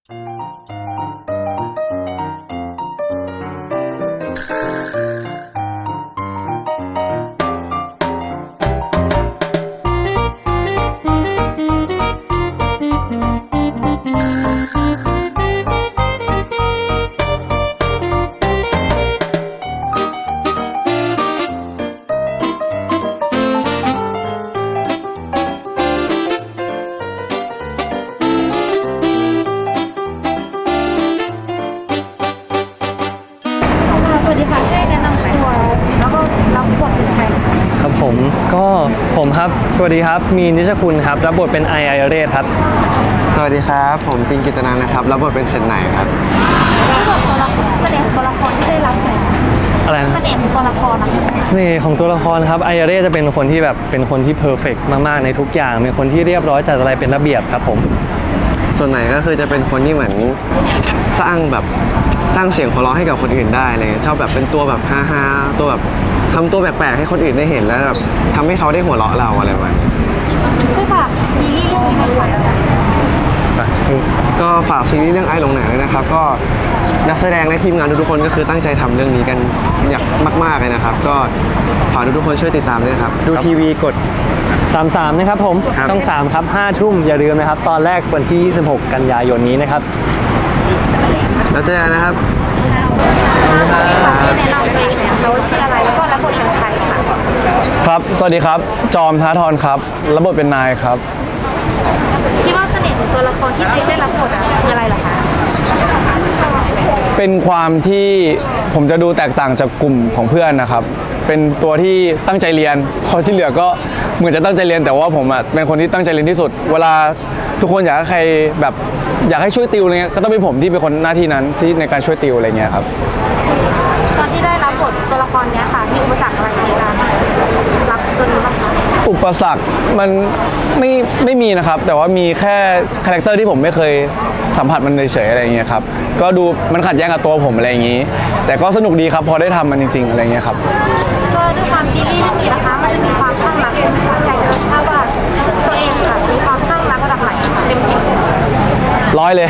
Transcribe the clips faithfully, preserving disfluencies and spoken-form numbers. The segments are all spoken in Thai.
ก็ผมครับสวัสดีครับมีนิชคุณครับรับบทเป็นไอไอเรศครับสวัสดีครับผมปิงกิตนันนะครับรับบทเป็นเชนไหนครับที่บอกตัวละครเสน่ห์ของตัวละครที่ได้รับเนี่ยอะไรนะเสน่ห์ของตัวละครนะเสน่ห์ของตัวละครครับไอไอเรศจะเป็นคนที่แบบเป็นคนที่เพอร์เฟกต์มากๆในทุกอย่างเป็นคนที่เรียบร้อยจัดอะไรเป็นระเบียบครับผมส่วนไหนก็คือจะเป็นคนที่เหมือนสร้างแบบสร้างเสียงหัวเราะให้กับคนอื่นได้เลยชอบแบบเป็นตัวแบบฮาฮาตัวแบบทำตัวแปลกๆให้คนอื่นได้เห็นแล้วแบบทำให้เขาได้หัวเราะเราอะไรประมาณนี้ใช่ป่ะซีรีส์เรื่องนี้ไหมคะก็ฝากซีรีส์เรื่องไอ้หลงไหนเลยนะครับก็นักแสดงและทีมงานทุกๆคนก็คือตั้งใจทำเรื่องนี้กันอย่างมากๆเลยนะครับก็ฝากทุกๆคนช่วยติดตามด้วยนะครับดูทีวีกดสามสิบสามนะครับผมช่องสามครับห้าทุ่มอย่าลืมนะครับตอนแรกวันที่ยี่สิบหกกันยายนนี้นะครับแล้วเจอกันนะครับที่แนะนำตัวเองเนี่ยเขาชื่ออะไรแล้วก็รับบทเป็นใครค่ะครับสวัสดีครับจอมท้าทรครับรับบทเป็นนายครับคิดว่าเสน่ห์ของตัวละครที่ตัวเองได้รับบทคืออะไรเหรอคะเป็นความที่ผมจะดูแตกต่างจากกลุ่มของเพื่อนนะครับเป็นตัวที่ตั้งใจเรียนพอที่เหลือก็เหมือนจะตั้งใจเรียนแต่ว่าผมอ่ะเป็นคนที่ตั้งใจเรียนที่สุดเวลาทุกคนอยากให้ใครแบบอยากให้ช่วยติวอะไรเงี้ยก็ต้องเป็นผมที่เป็นคนหน้าที่นั้นที่ในการช่วยติวอะไรเงี้ยครับตอนที่ได้รับบทตัวละครนี้ค่ะมีอุปสรรคอะไรในการรับตัวนี้บ้างคะอุปสรรคมันไม่ไม่มีนะครับแต่ว่ามีแค่คาแรคเตอร์ที่ผมไม่เคยสัมผัสมันเฉยๆอะไรเงี้ยครับก็ดูมันขัดแย้งกับตัวผมอะไรอย่างนี้แต่ก็สนุกดีครับพอได้ทำมันจริงๆอะไรเงี้ยครับก็ด้วยความซีรีส์เรื่องนี้นะคะมันจะมีความข้างรักใช่ไหมคะอยากจะทราบว่าตัวเองค่ะมีความข้างรักระดับไหนเต็มสิบร้อยเลย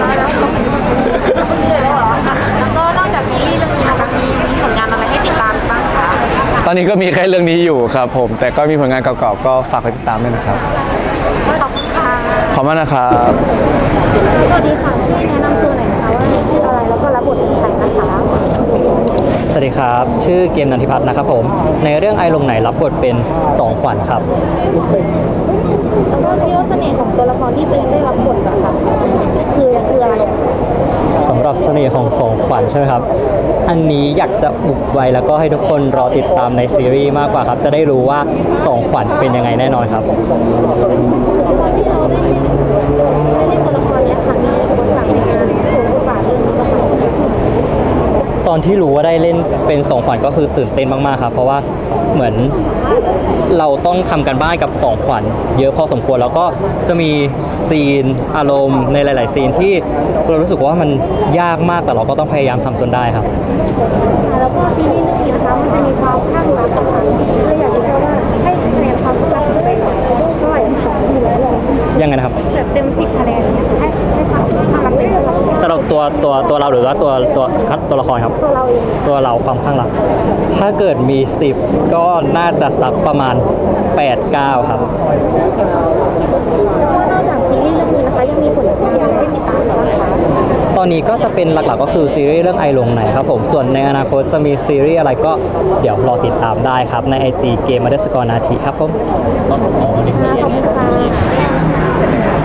แล้วก็นอกจากซีรีส์เรื่องนี้นะคะมีผลงานอะไรให้ติดตามบ้างคะตอนนี้ก็มีแค่เรื่องนี้อยู่ครับผมแต่ก็มีผลงานเก่าๆก็ฝากไปติดตามด้วยนะครับขอบคุณค่ะขอบคุณนะครับสวัสดีค่ะช่วยแนะนำตัวหน่อยนะคะว่าชื่ออะไรแล้วก็รับบทเป็นใครนะคะสวัสดีครับชื่อเกมนันทิพัฒน์นะครับผมในเรื่องไอลงไหนรับบทเป็นสองขวัญครับแล้วก็คิดว่าเสน่ห์ของตัวละครที่ตัวเองได้รับบทอะค่ะคือคืออะไรสำหรับเสน่ห์ของสองขวัญใช่ไหมครับอันนี้อยากจะอุบไว้แล้วก็ให้ทุกคนรอติดตามในซีรีส์มากกว่าครับจะได้รู้ว่าสองขวัญเป็นยังไงแน่นอนครับที่เราได้เล่นได้เล่นตัวละครนี้ค่ะมีบทบาทในการสวมบทบาทเรื่องนี้บ้างไหมตอนที่รู้ว่าได้เล่นเป็นสองขวัญก็คือตื่นเต้นมากๆครับเพราะว่าเหมือนเราต้องทำกันบ้านกับสองขวัญเยอะพอสมควรแล้วก็จะมีซีนอารมณ์ในหลายๆซีนที่เรารู้สึกว่ามันยากมากแต่เราก็ต้องพยายามทำจนได้ครับแล้วก็ซีรีส์เรื่องนี้นะคะมันจะมีความข้างรักค่ะเลยอยากจะทราบว่าให้คะแนนความข้างรักของตัวเองเท่าไหร่สองทีแล้วเลยยังไงนะครับแบบเต็มสิบคะแนนเนี่ยให้ให้ความข้างรักเป็นตัวละครสำหรับตัวตัวตัวเราหรือว่าตัวตัวตัวละครครับตัวเราเองตัวเราความข้างรักถ้าเกิดมีสิบก็น่าจะสักประมาณแปด เก้าครับแล้วก็นอกจากซีรีส์เรื่องนี้นะคะยังมีผลงานอะไรให้ติดตามบ้างคะตอนนี้ก็จะเป็นหลักๆก็คือซีรีส์เรื่องไอหลงไหนครับผมส่วนในอนาคตจะมีซีรีส์อะไรก็เดี๋ยวรอติดตามได้ครับใน ไอ จี เกม อันเดอร์สกอร์ นาทีครับผมขอบคุณค่ะ